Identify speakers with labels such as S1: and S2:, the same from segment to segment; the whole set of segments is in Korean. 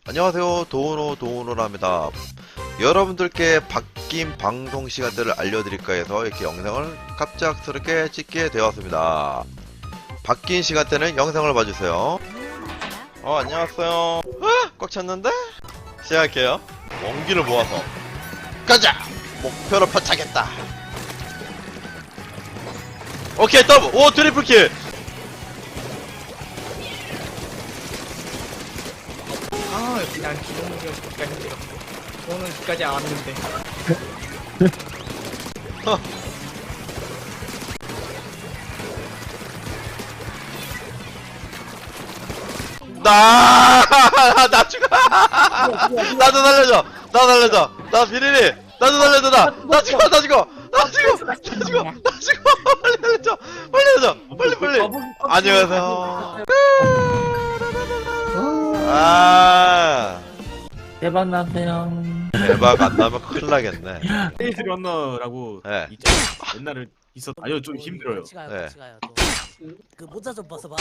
S1: 안녕하세요. 도우노랍니다. 여러분들께 바뀐 방송 시간대를 알려드릴까 해서 이렇게 영상을 갑작스럽게 찍게 되었습니다. 바뀐 시간대는 영상을 봐주세요. 안녕하세요. 꽉 찼는데? 시작할게요. 원기를 모아서 가자! 목표를 포착했다. 오케이, 더블! 오, 트리플킬!
S2: 난 기본적인 것까지 힘들어. 저는 끝까지 안 왔는데.
S1: 나 죽어! 나도 살려줘! 나 살려줘! 나 비리리! 나도 살려줘! 나 죽어! 나 죽어! 나 죽어! 나 죽어! 나 죽어! 빨리 살려줘! 빨리 살려줘! 빨리! 안녕하세요.
S3: 대박 나세요.
S1: 대박 안 나면 큰일 나겠네.
S4: 페이스 러너라고
S1: 네.
S4: 있죠. 옛날에 있었. 아니요, 좀 힘들어요.
S3: 같이 가요,
S1: 네.
S3: 같이 가요. 또. 그 모자 좀 벗어봐.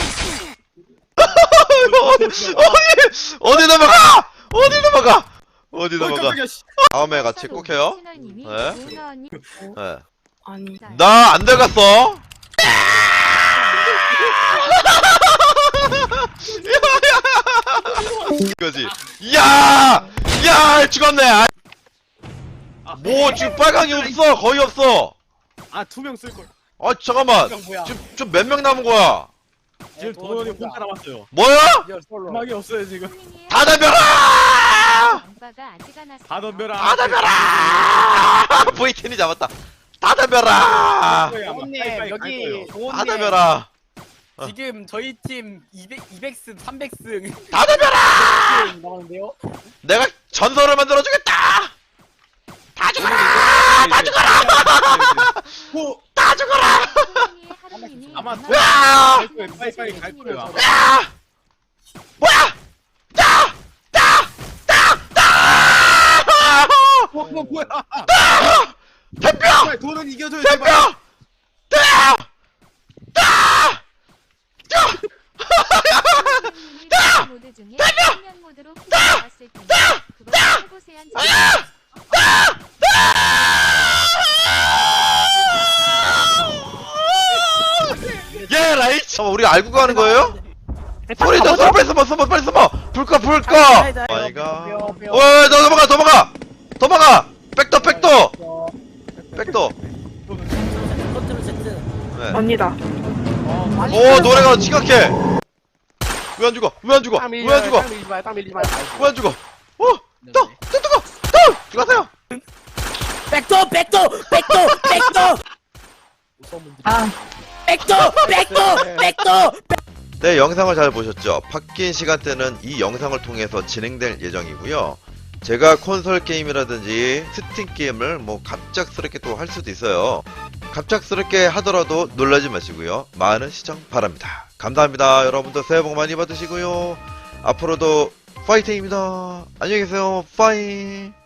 S1: 어디 넘어가! 어디 넘어가! 어디 넘어가!
S4: 깜짝이야, 씨.
S1: 다음에 같이 꼭 해요. 네. 네.
S5: 아니
S1: 나 안 들어갔어. 이거지. 야! 야! 죽었네. 뭐 지금 빨강이 없어. 거의 없어.
S4: 아, 2명 쓸 걸.
S1: 아 잠깐만.
S2: 뭐야?
S1: 지금 몇 명 남은 거야?
S4: 지금 도원이 혼자 남았어요.
S1: 뭐야?
S4: 음악이 없어요 지금.
S1: 다 덤벼라!
S4: 다 덤벼라.
S1: 다 덤벼라! V10이 잡았다. 다 덤벼라!
S2: 도훈님 여기
S1: 다
S2: 도훈님
S1: 덤벼라!
S2: 지금 저희 팀 200승 300승
S1: 다 덤벼라!
S2: 나오는데요?
S1: 내가 전설을 만들어주겠다! 다 죽어라! 다 죽어라! 다 죽어라!
S4: 아마
S1: 으아!
S4: 갈 거예요. 빨리 갈 거예요. 아마.
S1: 야! 뭐야! 따! 따! 따! 따!
S4: 뭐야?
S1: 대표!
S4: 도원 이겨줘요.
S1: 대표!
S4: 제발.
S1: 따! 따!
S6: 모드 중에 생명 모드로 나왔을 텐데 그걸 해보세요.
S1: 예, 라이치! 우리 알고 가는 거예요? 소리 좀 빨리 숨어 빨리 숨어 불 꺼 아이가 넘어가 백도
S3: 컨트롤 Z.
S1: 네.
S5: 언니다.
S1: 오 노래가 심각해 왜 안 죽어
S5: 땅 밀지 마.
S1: 또 죽었어요
S3: 백도.
S5: 아
S3: 백도.
S1: 네 영상을 잘 보셨죠 바뀐 시간대는 이 영상을 통해서 진행될 예정이고요 제가 콘솔 게임이라든지 스팀 게임을 뭐 갑작스럽게 또 할 수도 있어요 갑작스럽게 하더라도 놀라지 마시고요 많은 시청 바랍니다 감사합니다 여러분들 새해 복 많이 받으시고요 앞으로도 파이팅입니다 안녕히 계세요 파이